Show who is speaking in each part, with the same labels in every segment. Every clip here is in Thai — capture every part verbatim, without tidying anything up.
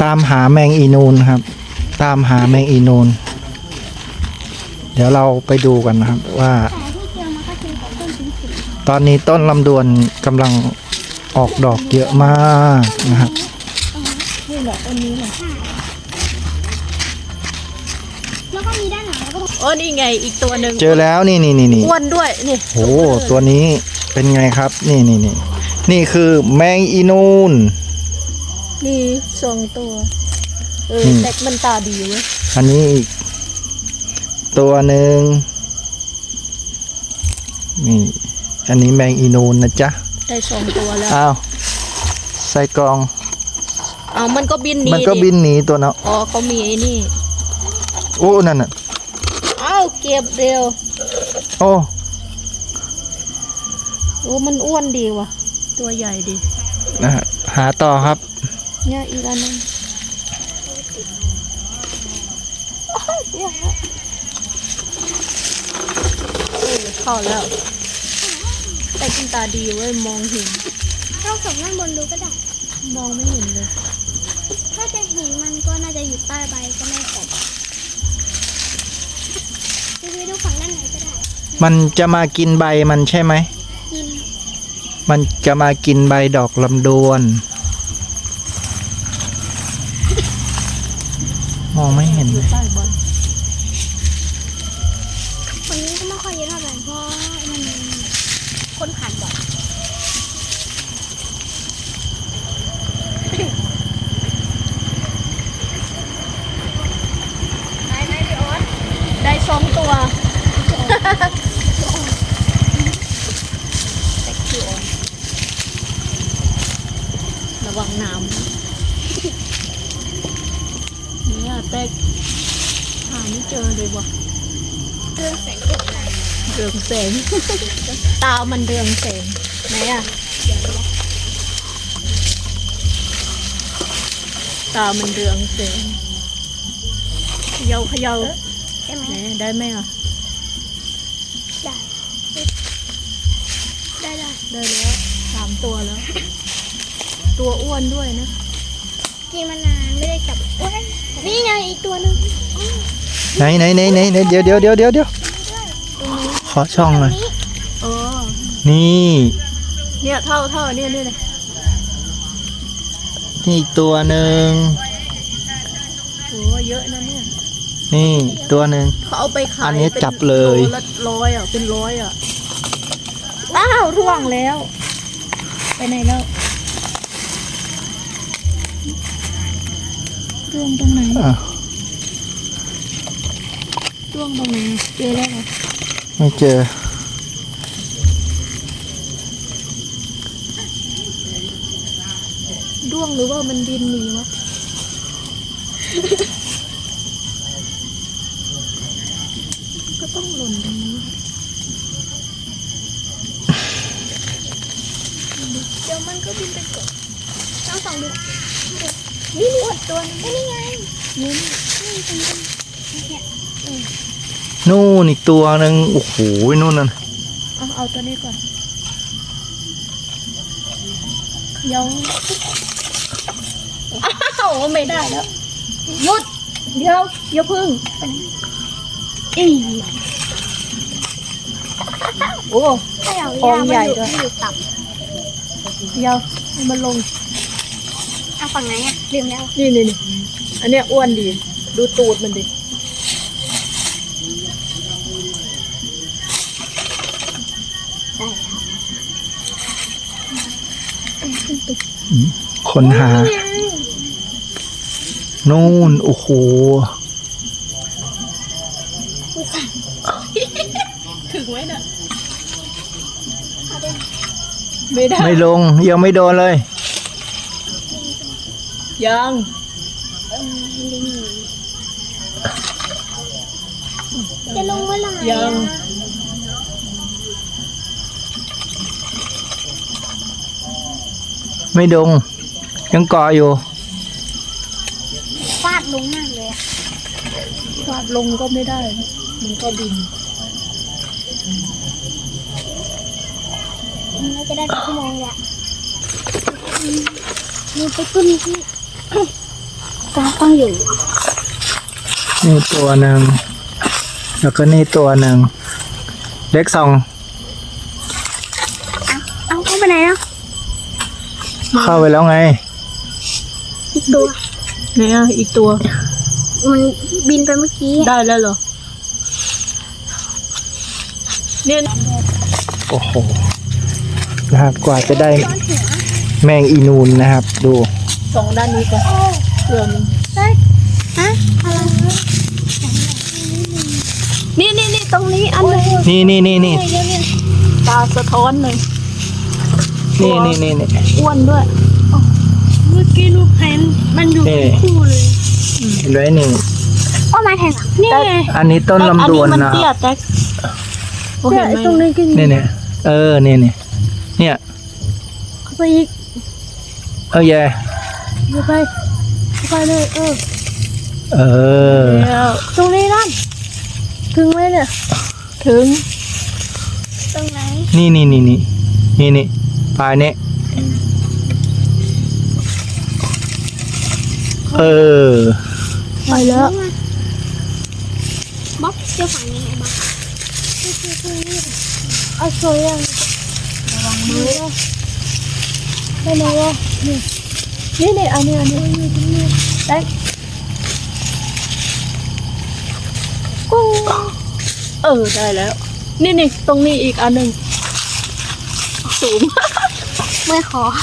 Speaker 1: ตามหาแมงอีนูนครับตามหาแมงอีนูนเดี๋ยวเราไปดูกันนะครับว่าตอนนี้ต้นลำดวนกำลังออกดอกเยอะมากนะครับ
Speaker 2: นี่แหละต้นนี้แหละแล้วก็มีด้านหลังแล้วก็โอ้นี่ไงอีกตัวหนึ่ง
Speaker 1: เจอแล้วนี่นี่นี่นี่
Speaker 2: อ้วนด้วยนี่
Speaker 1: โอ้ตัวนี้เป็นไงครับนี่นี่นี่นี่คือแมงอีนูน
Speaker 2: นี่สองตัวเออแต่มันตาดีเว้ย
Speaker 1: อันนี้อีกตัวหนึ่งนี่อันนี้แมงอีนูนนะจ๊ะ
Speaker 2: ได้สองตัวแล้ว
Speaker 1: อ้าวใส่กล่อง
Speaker 2: อ้าวมันก็บินหนี
Speaker 1: มันก็บินหนีตัวเนาะ
Speaker 2: อ๋อเขามีไอ้นี่
Speaker 1: โอ้นั่นน่ะ
Speaker 2: อ้าวเก็บเร็ว
Speaker 1: โอ้
Speaker 2: โอ้มันอ้วนดีว่ะตัวใหญ่ดี
Speaker 1: นะฮะหาต่อครับ
Speaker 2: เนี่ยอีกอันนึงเข้าแล้วแต่กินตาดีเว้ยมองเห็น
Speaker 3: เราส่งด้านบนดูก็ได้
Speaker 2: มองไม่เห็นเลย
Speaker 3: ถ้าจะเห็นมันก็น่าจะอยู่ใต้ใบก็ไม่ตกดูไปดูฝั่งด้านไหนก็ได้
Speaker 1: มันจะมากินใบมันใช่ไหม
Speaker 3: กิน
Speaker 1: มันจะมากินใบดอกลำดวนมองไม่เห็นเลย
Speaker 3: คนนี้ก็ไม่ค่อยเยอะเท่าไหร่เพราะมันคนผ่านบ่อย
Speaker 2: ได้ไหมพี่ออสได้สองตัวระวังน้ำเนี่ยแตกหาไม่เจอเลยวะ
Speaker 3: เรื่องแสง
Speaker 2: เรืองแสงตามันเรืองแสงไหนอะตามันเรืองแสงเขย่าเขย่า
Speaker 3: ได้ไหม
Speaker 2: ได้ไหมอ่ะ
Speaker 3: ได้ได้ได้
Speaker 2: ได้แล้วสามตัวแล้วตัวอ้วนด้วยนะ
Speaker 3: กินมานานไม่ได้จับโอ้ยนี่ไงอีกตัวนึง
Speaker 1: ไหนไหนไหนไหนเดี๋ยวเดี๋ยวเดี๋ยวเดี๋ยวเดี๋ยวขอช่องหน่อย
Speaker 2: เออ
Speaker 1: นี่
Speaker 2: เนี่ยเท่าเท่าเนี่ยนี่เลย
Speaker 1: นี่ตัวหนึ่ง
Speaker 2: โอ้เยอะนะเนี่ย
Speaker 1: นี่ตัวหนึ่ง
Speaker 2: เขาเอาไปขาย
Speaker 1: อันนี้จับเลย
Speaker 2: ร้อยอ่ะเป็นร้อยอ่ะอ้าวร่วงแล้วไปไหนแล้วร่วงตรงไหนร่วงตรงไหนเจอแล้ว
Speaker 1: ไม่เจอ
Speaker 2: ร่วงหรือว่ามันบินหนีวะก็ต้องหล่นตรงนี้
Speaker 3: เดี๋ยวมันก็บินไปกดต้องส่องดูนี่นี่ตัวนี่ไงนี่นี่ตรงนี้เนี่ย
Speaker 1: นู่นอีกตัวหนึ่งโอ้โหนู่นนั่น
Speaker 2: เอาเอาตัวนี้ก่อนยังอ้าวไม่ได้แล้วหยุดเดี๋ยวอย่าพึ่งอีโอ้ฟองใหญ่ด้วย
Speaker 3: อยู่ต่
Speaker 2: ำเดี๋ยวมันลง
Speaker 3: เอาฝั่งไหนอ่ะลืมแล้ว
Speaker 2: นี่นี่นี่อันเนี้ยอ้วนดีดูตูดมันดิ
Speaker 1: คนหานู่นโอ้โห
Speaker 2: ถึงไว้น่ะไม่ได้
Speaker 1: ไม่ลงยังไม่โดนเลย
Speaker 2: ยัง
Speaker 3: จะลงเมื่อไหร่
Speaker 2: ยัง
Speaker 1: ไม่ดงยังเกาะอยู่
Speaker 3: ฟาดลงมากเลย
Speaker 2: ฟาดลงก็ไม่ได้มันก็บิน
Speaker 3: เราจะได้ชั่วโมงแหละมีไปขึ้นที่ก็ต้องอยู่
Speaker 1: นี่ตัวหนึ่งแล้วก็นี่ตัวหนึ่งเล็กสอง
Speaker 3: เอาเข้าไปไหนอ่ะ
Speaker 1: เข้าไปแล้วไง
Speaker 3: อีกตัว
Speaker 2: เนี่ยอีกตัว
Speaker 3: มันบินไปเมื่อกี้
Speaker 2: ได้แล้วเหรอเนี่ย
Speaker 1: โอ้โหนะครับกว่าจะได้แมงอีนูนนะครับ ดู
Speaker 2: สองด้านนี้ก่อนเพื่อมัน
Speaker 3: ได้ฮะอะไร
Speaker 2: นี่นี่นี่ตรงนี้อันนึง
Speaker 1: นี่นี่นี่นี่
Speaker 2: ตาสะท้อนเลย
Speaker 1: นี่นี่นี่นี่
Speaker 2: อ้วนด้วย
Speaker 3: เมื่อกี้ลูกเห็นมันอยู่
Speaker 1: นี่
Speaker 3: คู่เลย
Speaker 1: เห็นไหมนี่
Speaker 3: โอ้มาแทงอ่ะนี่ไง
Speaker 1: อันนี้ต้นลำดวน
Speaker 2: อันนี้
Speaker 1: นะ
Speaker 2: มันเตี้ยแต๊กโอเคไหม
Speaker 3: ตรงนี้ก็
Speaker 1: นี่เนี่ยเออนี่นี่เนี่ย
Speaker 3: เข้าไปอีก
Speaker 1: เออแย่
Speaker 3: เข้าไปเข้าไปเลยเออ
Speaker 1: เออ
Speaker 2: แล้ว
Speaker 3: ตรงนี้นั่นถึงไหมเนี่ย
Speaker 2: ถึง
Speaker 3: ตรงไหน
Speaker 1: นี่นี่นี่นี่นี่นี่ปลายนี้เออ
Speaker 2: ไปแล้ว
Speaker 3: บ๊อบเจ้าฝั่งนี้ไงบ๊อบเอาโซ่ยังระวังมือได้ไหมวะนี่
Speaker 2: นี่นี่อันนี้อันนี้
Speaker 3: ได้
Speaker 2: เออได้แล้ว นี่นี่ตรงนี้อีกอันหนึ่งสูง
Speaker 3: ไม่ขอ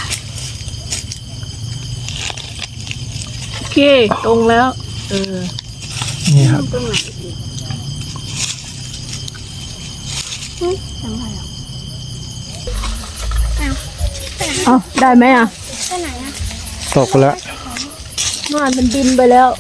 Speaker 2: โอเคตรงแล้ว เออ
Speaker 1: นี่ครับ
Speaker 3: ตรงไหนอีกอืมจำไม่ได้อ้าวไปไหน
Speaker 2: เอาได้ไหมอ่ะ
Speaker 3: ไปไหนอ่ะ
Speaker 1: ตกแล้ว
Speaker 2: ม่านมันบินไปแล้ว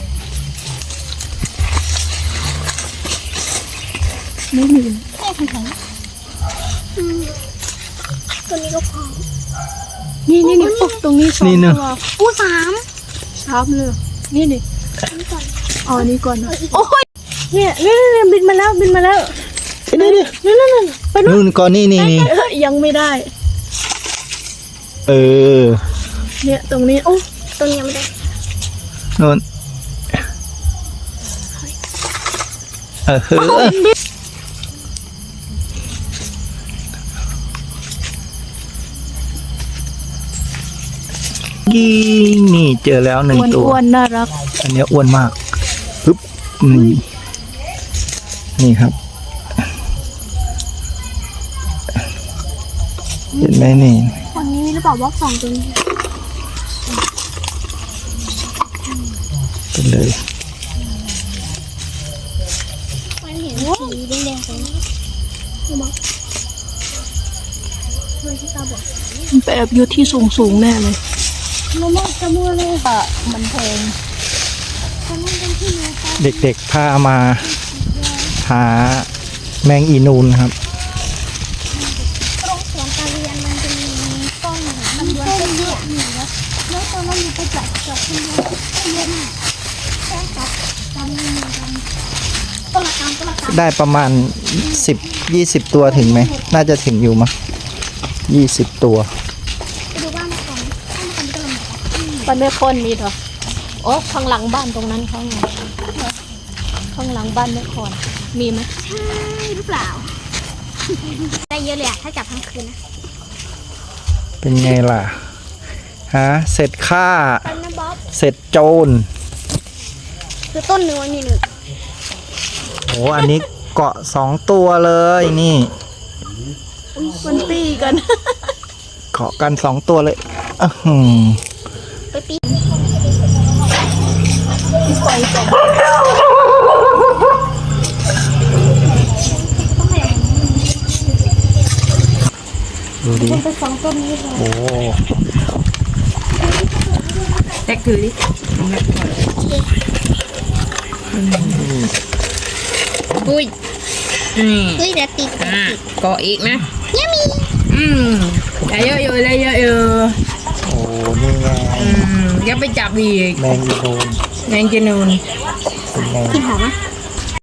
Speaker 2: ไม่มี
Speaker 3: แค่ไหนอืมตัวนี้ก็พอ
Speaker 2: นี่นี่นี่ปุ๊บตรงนี้สอง
Speaker 1: นี่หนึ่ง
Speaker 2: ตัว
Speaker 3: อู้สาม
Speaker 2: ชาร์ปเลยนี่นี่
Speaker 3: นี่ก่อน
Speaker 2: เอาอันนี้ก่อนนะ
Speaker 3: โอ้ยเนี่ยเนี่ยเนี่ยบินมาแล้วบินมาแล้ว
Speaker 1: นี่นี่
Speaker 3: นั่นนั่นนั่นไปดู
Speaker 1: นู่นก่อนนี่นี่นี่
Speaker 2: เอ้ยยังไม่ได้
Speaker 1: เออ
Speaker 2: เนี่ยตรงนี้
Speaker 3: โอ้ตัวนี้ยังไม่ได้
Speaker 1: นู่นเออเฮ้อยิงนี่เจอแล้วหนึ่ง
Speaker 2: อ้วน
Speaker 1: ตัว
Speaker 2: อ้วนน่ารัก
Speaker 1: อันเนี้ยอ้วนมากปึ๊บนี่นี่ครับ เห็นไหมนี่
Speaker 3: ฝั่งนี้มีหรือเปล่าว่าสองตัวนี้
Speaker 1: เป็นเลย
Speaker 3: มันเห็นสีแดงๆตรงนี้ดูมั้งเฮ้ยที่ตาบอก
Speaker 2: มันไปแอบอยู่ที่สูงสูงๆแน่เลย
Speaker 3: มะม่วงจะมัวเลย
Speaker 2: อ่ะมันแพง
Speaker 3: มะม่วงเป็นที่รู้ปะ
Speaker 1: เด็กๆพามาหาแมงอีนูนครับ
Speaker 3: ตรงสวนการเรียนมันจะมีต้นมันต้นเยอะอยู่แล้วแล้วตอนนั้นมีไปจับจับที่เยอะเยอะมากแค่จับจำไม่มีจำต้นละกำต้นละกำ
Speaker 1: ได้ประมาณสิบยี่สิบตัวถึงไหม น่าจะถึงอยู่มั้งยี่สิบตัว
Speaker 3: ไปดูบ้านก่อนบ้านก่อนก็ลำบาก
Speaker 2: บ้านแม่คนมีเหรอโอ้ข้างหลังบ้านตรงนั้นเขาไงข้างหลังบ้านแม่คนมีไหม
Speaker 3: ใช่หรือเปล่า ได้เยอะเลยอะถ้าจับทั้งคืนนะ
Speaker 1: เป็นไงล่ะ ฮะ เสร็จค่า
Speaker 3: ต้นนะบ๊อบ
Speaker 1: เสร็จโจร
Speaker 3: คือต้นเนื้อนี่หนึ่ง
Speaker 1: โอ้อันนี้เกาะสองตัวเลยนี่
Speaker 2: มันตีกัน
Speaker 1: เกาะกันสองตัวเลยอื้อหือ
Speaker 3: ไปปีน
Speaker 2: ปล่อยส่ง
Speaker 1: ดูดิ
Speaker 3: ไปสองต้นนี้เลย
Speaker 1: โอ้
Speaker 4: แท็กถือดิอุ้ยนี่
Speaker 3: เฮ้ยเดี๋ยวติด
Speaker 4: อ่ะเกาะอีกนะ
Speaker 3: เนี่ยมี
Speaker 4: อืมได้เยอะอยู่ได้เยอะอยู่
Speaker 1: โอ้นี่ไง
Speaker 4: อืมอย่าไปจับอีก
Speaker 1: แมงอีนูน
Speaker 4: แมงจีนูน
Speaker 1: เป็นไง
Speaker 3: กลินหอมไหม
Speaker 1: อ